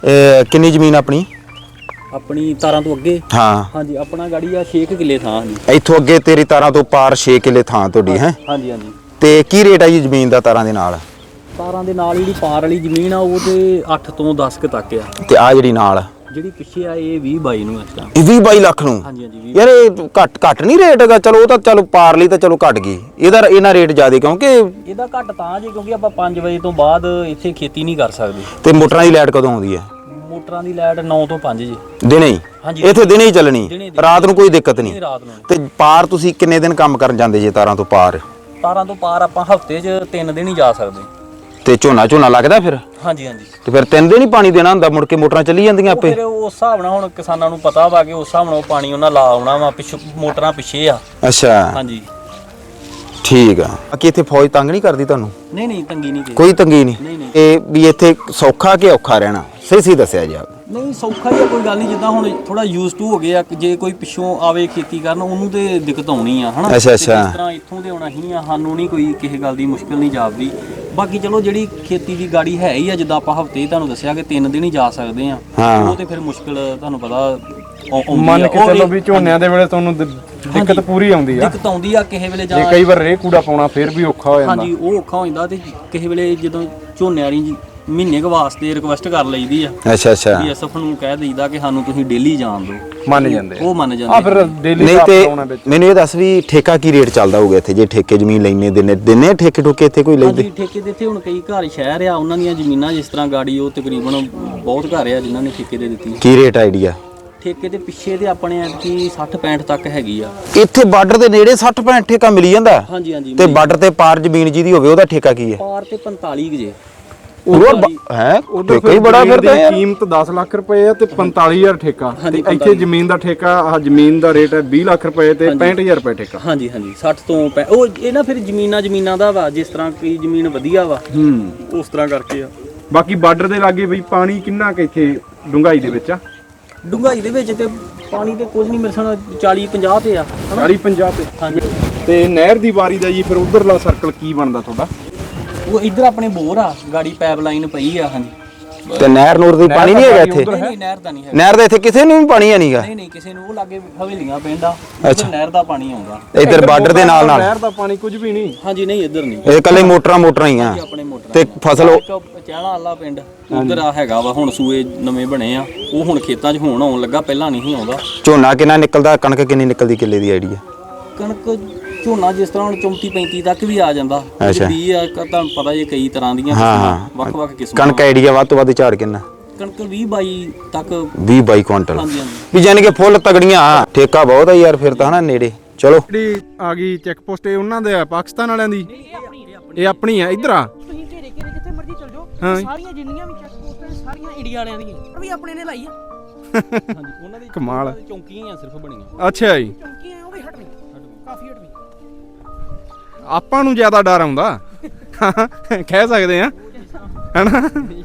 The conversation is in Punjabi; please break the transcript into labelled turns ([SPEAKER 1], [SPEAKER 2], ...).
[SPEAKER 1] ਕਿੰਨੀ ਜ਼ਮੀਨ ਆਪਣੀ
[SPEAKER 2] ਤਾਰਾਂ ਤੋਂ ਅੱਗੇ?
[SPEAKER 1] ਹਾਂ
[SPEAKER 2] ਹਾਂਜੀ, ਆਪਣਾ ਗਾੜੀ ਆ 6 ਕਿੱਲੇ ਥਾਂ। ਹਾਂਜੀ,
[SPEAKER 1] ਇੱਥੋਂ ਅੱਗੇ ਤੇਰੀ ਤਾਰਾਂ ਤੋਂ ਪਾਰ 6 ਕਿੱਲੇ ਥਾਂ ਤੁਹਾਡੀ ਹੈ?
[SPEAKER 2] ਹਾਂਜੀ ਹਾਂਜੀ।
[SPEAKER 1] ਤੇ ਕੀ ਰੇਟ ਆ ਜੀ ਜ਼ਮੀਨ ਦਾ ਤਾਰਾਂ ਦੇ ਨਾਲ?
[SPEAKER 2] ਤਾਰਾਂ ਦੇ ਨਾਲ ਜਿਹੜੀ ਪਾਰ ਵਾਲੀ ਜ਼ਮੀਨ ਆ ਉਹ ਤੇ 8 ਤੋਂ 10 ਕੁ ਤੱਕ ਆ।
[SPEAKER 1] ਤੇ ਆ ਜਿਹੜੀ ਨਾਲ
[SPEAKER 2] ਜਿਹੜੀ ਪਿੱਛੇ ਆ ਇਹ 20-22 ਨੂੰ ਇਸ ਟਾਈਮ।
[SPEAKER 1] ਇਹ 20-22 ਲੱਖ ਨੂੰ?
[SPEAKER 2] ਹਾਂਜੀ ਹਾਂਜੀ।
[SPEAKER 1] ਯਾਰ ਇਹ ਘੱਟ ਨਹੀਂ ਰੇਟ ਹੈਗਾ? ਚਲੋ ਉਹ ਤਾਂ ਚਲੋ ਪਾਰ ਲਈ ਤਾਂ ਚਲੋ ਘਟ ਗਈ, ਇਹਨਾਂ ਰੇਟ ਜ਼ਿਆਦਾ ਕਿਉਂਕਿ
[SPEAKER 2] ਇਹਦਾ ਘੱਟ ਤਾਂ ਜੀ ਕਿਉਂਕਿ ਆਪਾਂ 5 ਵਜੇ ਤੋਂ ਬਾਅਦ ਇੱਥੇ ਖੇਤੀ ਨਹੀਂ ਕਰ ਸਕਦੇ।
[SPEAKER 1] ਤੇ ਮੋਟਰਾਂ ਦੀ ਲਾਈਟ ਕਦੋਂ ਆਉਂਦੀ ਹੈ?
[SPEAKER 2] ਮੋਟਰਾਂ ਦੀ ਲਾਈਟ 9 ਤੋਂ 5 ਜੀ।
[SPEAKER 1] ਦਿਨੇ ਹੀ?
[SPEAKER 2] ਹਾਂਜੀ,
[SPEAKER 1] ਇੱਥੇ ਦਿਨੇ ਹੀ ਚੱਲਣੀ, ਰਾਤ ਨੂੰ ਕੋਈ ਦਿੱਕਤ ਨਹੀਂ?
[SPEAKER 2] ਰਾਤ ਨੂੰ।
[SPEAKER 1] ਤੇ ਪਾਰ ਤੁਸੀਂ ਕਿੰਨੇ ਦਿਨ ਕੰਮ ਕਰਨ ਜਾਂਦੇ ਜੇ ਤਾਰਾਂ ਤੋਂ ਪਾਰ?
[SPEAKER 2] ਤਾਰਾਂ ਤੋਂ ਪਾਰ ਆਪਾਂ ਹਫ਼ਤੇ 'ਚ 3 ਦਿਨ ਹੀ ਜਾ ਸਕਦੇ।
[SPEAKER 1] ਤੇ ਝੋਨਾ ਲੱਗਦਾ ਫਿਰ?
[SPEAKER 2] ਹਾਂਜੀ ਹਾਂਜੀ।
[SPEAKER 1] ਤੇ ਫਿਰ 3 ਦਿਨ ਹੀ ਪਾਣੀ ਦੇਣਾ ਹੁੰਦਾ, ਮੁੜ ਕੇ ਮੋਟਰਾਂ ਚੱਲੀ ਜਾਂਦੀਆਂ ਆਪੇ?
[SPEAKER 2] ਫਿਰ ਉਸ ਹਿਸਾਬ ਨਾਲ ਹੁਣ ਕਿਸਾਨਾਂ ਨੂੰ ਪਤਾ ਵਾ ਕਿ ਉਸ ਹਿਸਾਬ ਨਾਲ ਪਾਣੀ ਉਹਨਾਂ ਲਾ ਆਉਣਾ ਵਾ, ਪਿੱਛੋਂ ਮੋਟਰਾਂ ਪਿੱਛੇ ਆ।
[SPEAKER 1] ਅੱਛਾ
[SPEAKER 2] ਹਾਂਜੀ
[SPEAKER 1] ਠੀਕ ਆ। ਬਾਕੀ ਇੱਥੇ ਫੌਜ ਤੰਗ ਨਹੀਂ ਕਰਦੀ ਤੁਹਾਨੂੰ?
[SPEAKER 2] ਨਹੀਂ ਤੰਗੀ ਨਹੀਂ
[SPEAKER 1] ਕੋਈ ਤੰਗੀ ਨਹੀਂ? ਇਹ ਵੀ ਇੱਥੇ ਸੌਖਾ ਕਿ ਔਖਾ ਰਹਿਣਾ ਸਹੀ ਦੱਸਿਆ ਜੀ ਆਪ?
[SPEAKER 2] ਨਹੀਂ ਸੌਖਾ ਹੀ ਆ, ਕੋਈ ਗੱਲ ਨਹੀਂ। ਜਿੱਦਾਂ ਹੁਣ ਥੋੜਾ ਯੂਜ਼ ਟੂ ਹੋ ਗਏ ਆ, ਜੇ ਕੋਈ ਪਿੱਛੋਂ ਆਵੇ ਖੇਤੀ ਕਰਨ ਉਹਨੂੰ ਤੇ ਦਿੱਕਤ ਆਉਣੀ ਆ ਹਨਾ।
[SPEAKER 1] ਅੱਛਾ
[SPEAKER 2] ਜਿਸ ਤਰ੍ਹਾਂ ਇੱਥੋਂ ਦੇ ਆਉਣਾ ਹੀ ਆ, ਸਾਨੂੰ ਨਹੀਂ ਕੋਈ ਕਿਸੇ ਗੱਲ ਦੀ ਮੁਸ਼ਕਲ ਨਹੀਂ ਜਾਪਦੀ। ਬਾਕੀ ਚਲੋ ਜਿਹੜੀ ਖੇਤੀ ਦੀ ਗਾੜੀ ਹੈ ਹੀ ਆ, ਜਿੱਦਾਂ ਆਪਾਂ ਹਫ਼ਤੇ ਤੁਹਾਨੂੰ ਦੱਸਿਆ ਕਿ 3 ਦਿਨ ਹੀ ਜਾ ਸਕਦੇ ਆ, ਉਹ ਤੇ ਫਿਰ ਮੁਸ਼ਕਲ ਤੁਹਾਨੂੰ ਪਤਾ
[SPEAKER 3] ਮੰਨ ਕੇ ਚੱਲੋ ਵੀ ਝੋਨਿਆਂ ਦੇ ਵੇਲੇ ਤੁਹਾਨੂੰ ਦਿੱਕਤ ਪੂਰੀ ਆਉਂਦੀ ਆ।
[SPEAKER 2] ਦਿੱਕਤ ਆਉਂਦੀ ਆ ਕਿਸੇ ਵੇਲੇ, ਜਾਂ
[SPEAKER 3] ਕਈ ਵਾਰ ਰੇ ਕੂੜਾ ਪਾਉਣਾ ਫਿਰ ਵੀ ਔਖਾ ਹੋ ਜਾਂਦਾ।
[SPEAKER 2] ਹਾਂਜੀ ਉਹ ਔਖਾ ਹੋ ਜਾਂਦਾ। ਤੇ ਕਿਸੇ ਵੇਲੇ ਜਦੋਂ ਝੋਨੇ ਵਾਲੀ ਮਹੀਨੇ ਕੁ ਵਾਸਤੇ ਰਿਕੁਐਸਟ ਕਰ ਲਈਦੀ ਆ।
[SPEAKER 1] ਅੱਛਾ
[SPEAKER 2] ਵੀ ਐਸਐਫ ਨੂੰ ਕਹਿ ਦਈਦਾ ਕਿ ਸਾਨੂੰ ਤੁਸੀਂ ਡੇਲੀ ਜਾਣ ਦਿਓ,
[SPEAKER 3] ਮੰਨ ਜਾਂਦੇ
[SPEAKER 2] ਉਹ ਮੰਨ ਜਾਂਦੇ।
[SPEAKER 3] ਆ ਫਿਰ ਡੇਲੀ
[SPEAKER 1] ਨਹੀਂ ਤੇ ਮੈਨੂੰ ਇਹ ਦੱਸ ਵੀ ਠੇਕਾ ਕੀ ਰੇਟ ਚੱਲਦਾ ਹੋਊਗਾ ਇੱਥੇ? ਜੇ ਠੇਕੇ ਜ਼ਮੀਨ ਲੈਣੇ ਦਿਨੇ ਠੇਕੇ ਠੋਕੇ ਇੱਥੇ ਕੋਈ ਲੈਂਦੇ?
[SPEAKER 2] ਹਾਂਜੀ ਠੇਕੇ ਦੇ ਇੱਥੇ ਹੁਣ ਕਈ ਘਰ ਸ਼ਹਿਰ ਆ, ਉਹਨਾਂ ਦੀਆਂ ਜ਼ਮੀਨਾਂ ਜਿਸ ਤਰ੍ਹਾਂ ਗਾੜੀ ਉਹ ਤਕਰੀਬਨ ਬਹੁਤ ਘਰ ਆ ਜਿਨ੍ਹਾਂ ਨੇ ਠੇਕੇ ਦੇ ਦਿੱਤੀ।
[SPEAKER 1] ਕੀ ਰੇਟ ਆਈਡੀਆ?
[SPEAKER 2] ਠੇਕੇ ਦੇ ਪਿੱਛੇ ਦੇ ਆਪਣੇ ਐਤਕੀ 60-65 ਤੱਕ ਹੈਗੀ ਆ।
[SPEAKER 1] ਇੱਥੇ ਬਾਰਡਰ ਦੇ ਨੇੜੇ 60-65 ਠੇਕਾ ਮਿਲੀ ਜਾਂਦਾ?
[SPEAKER 2] ਹਾਂਜੀ ਹਾਂਜੀ।
[SPEAKER 1] ਤੇ ਬਾਰਡਰ ਤੇ ਪਾਰ ਜ਼ਮੀਨ ਜਿਹਦੀ ਹੋਵੇ ਉਹਦਾ ਠੇਕਾ ਕੀ ਹੈ?
[SPEAKER 2] ਪਾਰ ਤੇ 45 ਜੇ।
[SPEAKER 1] ਹੋਰ ਹੈ ਠੇਕਾ ਹੀ ਬੜਾ ਫਿਰ ਤਾਂ ਯਾਰ।
[SPEAKER 3] ਕੀਮਤ 10 ਲੱਖ ਰੁਪਏ ਆ ਤੇ 45000 ਠੇਕਾ। ਤੇ ਇੱਥੇ ਜ਼ਮੀਨ ਦਾ ਠੇਕਾ, ਆਹ ਜ਼ਮੀਨ ਦਾ ਰੇਟ ਹੈ 20 ਲੱਖ ਰੁਪਏ ਤੇ 65000 ਰੁਪਏ ਠੇਕਾ।
[SPEAKER 2] ਹਾਂਜੀ ਹਾਂਜੀ 60 ਤੋਂ ਉਹ ਇਹ ਨਾ ਫਿਰ ਜ਼ਮੀਨਾਂ ਦਾ ਵਾ, ਜਿਸ ਤਰ੍ਹਾਂ ਕੋਈ ਜ਼ਮੀਨ ਵਧੀਆ ਵਾ ਉਸ ਤਰ੍ਹਾਂ ਕਰਕੇ ਆ।
[SPEAKER 3] ਬਾਕੀ ਬਾਰਡਰ ਦੇ ਲਾਗੇ ਬਈ ਪਾਣੀ ਕਿੰਨਾ ਕਿ ਇੱਥੇ ਡੂੰਘਾਈ ਦੇ ਵਿੱਚ ਆ?
[SPEAKER 2] ਡੂੰਘਾਈ ਦੇ ਵਿੱਚ ਤੇ ਪਾਣੀ ਤੇ ਕੁਝ ਨਹੀਂ, ਮੇਰੇ ਸਾਲ 40-50 ਤੇ ਆ।
[SPEAKER 3] 40-50 ਤੇ?
[SPEAKER 2] ਹਾਂਜੀ।
[SPEAKER 3] ਤੇ ਨਹਿਰ ਦੀ ਵਾਰੀ ਦਾ ਜੀ ਫਿਰ ਉਧਰਲਾ ਸਰਕਲ ਕੀ ਬਣਦਾ ਤੁਹਾਡਾ?
[SPEAKER 2] ਉਹ ਇੱਧਰ ਆਪਣੇ ਬੋਰ ਆ, ਗਾੜੀ ਪਾਈਪ ਲਾਈਨ ਪਈ ਆ। ਹਾਂਜੀ।
[SPEAKER 1] ਤੇ ਨਹਿਰ ਨੂਰ ਦੀ ਪਾਣੀ ਨਹੀਂ ਹੈਗਾ ਇੱਥੇ?
[SPEAKER 2] ਨਹੀਂ ਨਹਿਰ ਦਾ ਨਹੀਂ ਹੈ।
[SPEAKER 1] ਨਹਿਰ ਦਾ ਇੱਥੇ ਕਿਸੇ ਨੂੰ ਵੀ ਪਾਣੀ ਨਹੀਂਗਾ?
[SPEAKER 2] ਨਹੀਂ ਕਿਸੇ ਨੂੰ। ਉਹ ਲਾਗੇ ਹਵੇਲੀਆਂ ਪਿੰਡ ਆ, ਉੱਧਰ ਨਹਿਰ ਦਾ ਪਾਣੀ ਆਉਂਦਾ।
[SPEAKER 1] ਇੱਧਰ ਬਾਰਡਰ ਦੇ ਨਾਲ
[SPEAKER 3] ਨਹਿਰ ਦਾ ਪਾਣੀ ਕੁਝ ਵੀ ਨਹੀਂ?
[SPEAKER 2] ਹਾਂਜੀ ਨਹੀਂ ਇੱਧਰ ਨਹੀਂ,
[SPEAKER 1] ਇਹ ਇਕੱਲੇ ਮੋਟਰਾਂ ਹੀ ਆ
[SPEAKER 2] ਆਪਣੇ ਮੋਟਰ
[SPEAKER 1] ਤੇ ਫਸਲ।
[SPEAKER 2] ਚਾਹਲਾ ਵਾਲਾ ਪਿੰਡ ਉੱਧਰ ਆ ਹੈਗਾ ਵਾ, ਹੁਣ ਸੂਏ ਨਵੇਂ ਬਣੇ ਆ, ਉਹ ਹੁਣ ਖੇਤਾਂ 'ਚ ਹੁਣ ਆਉਣ ਲੱਗਾ, ਪਹਿਲਾਂ ਨਹੀਂ ਆਉਂਦਾ।
[SPEAKER 1] ਝੋਨਾ ਕਿੰਨਾ ਨਿਕਲਦਾ? ਕਣਕ ਕਿੰਨੀ ਨਿਕਲਦੀ ਕਿੱਲੇ ਦੀ ਆਈਡੀਆ?
[SPEAKER 2] ਕਣਕ ਝੋਨਾ ਜਿਸ ਤਰ੍ਹਾਂ ਹੁਣ 34-35 ਤੱਕ ਵੀ ਆ ਜਾਂਦਾ। 20 ਆ, ਤੁਹਾਨੂੰ ਪਤਾ ਜੇ ਕਈ ਤਰ੍ਹਾਂ ਦੀਆਂ ਵੱਖ-ਵੱਖ ਕਿਸਮਾਂ।
[SPEAKER 1] ਕਣਕ ਆਈਡੀਆ ਵੱਧ ਤੋਂ ਵੱਧ ਝਾੜ ਕਿੰਨਾ?
[SPEAKER 2] ਕਣਕ 20-22 ਤੱਕ।
[SPEAKER 1] 20-22 ਕੁਇੰਟਲ?
[SPEAKER 2] ਹਾਂਜੀ ਹਾਂਜੀ।
[SPEAKER 1] ਵੀ ਜਾਨੀ ਕਿ ਫੁੱਲ ਤਗੜੀਆਂ। ਠੇਕਾ ਬਹੁਤ ਆ ਯਾਰ ਫਿਰ ਤਾਂ ਹਨਾ ਨੇੜੇ। ਚਲੋ
[SPEAKER 3] ਜਿਹੜੀ ਆ ਗਈ ਚੈੱਕ ਪੋਸਟ, ਇਹ ਉਹਨਾਂ ਦੇ ਆ ਪਾਕਿਸਤਾਨ ਵਾਲਿਆਂ ਦੀ? ਇਹ ਆਪਣੀ ਆ ਇੱਧਰ ਆ?
[SPEAKER 4] ਤੁਸੀਂ ਘੇਰੇ ਜਿੱਥੇ ਮਰਜ਼ੀ ਚਲ ਜਾਓ, ਸਾਰੀਆਂ ਜਿੰਨੀਆਂ ਵੀ ਚੈੱਕ ਪੋਸਟਾਂ ਸਾਰੀਆਂ ਇੰਡੀਆ ਵਾਲਿਆਂ ਦੀਆਂ ਵੀ ਆਪਣੇ ਨੇ ਲਾਈ ਆ।
[SPEAKER 2] ਹਾਂਜੀ ਉਹਨਾਂ ਦੀ
[SPEAKER 3] ਕਮਾਲ।
[SPEAKER 2] ਚੌਂਕੀਆਂ ਹੀ ਆ ਸਿਰਫ ਬਣੀਆਂ।
[SPEAKER 3] ਅੱਛਾ ਜੀ।
[SPEAKER 4] ਚੌਂਕੀਆਂ ਉਹ ਵੀ ਹਟਣੀ, ਕਾਫੀ ਹਟਣੀ।
[SPEAKER 3] ਆਪਾਂ ਨੂੰ ਜ਼ਿਆਦਾ ਡਰ ਆਉਂਦਾ ਕਹਿ ਸਕਦੇ ਆ ਹੈਨਾ?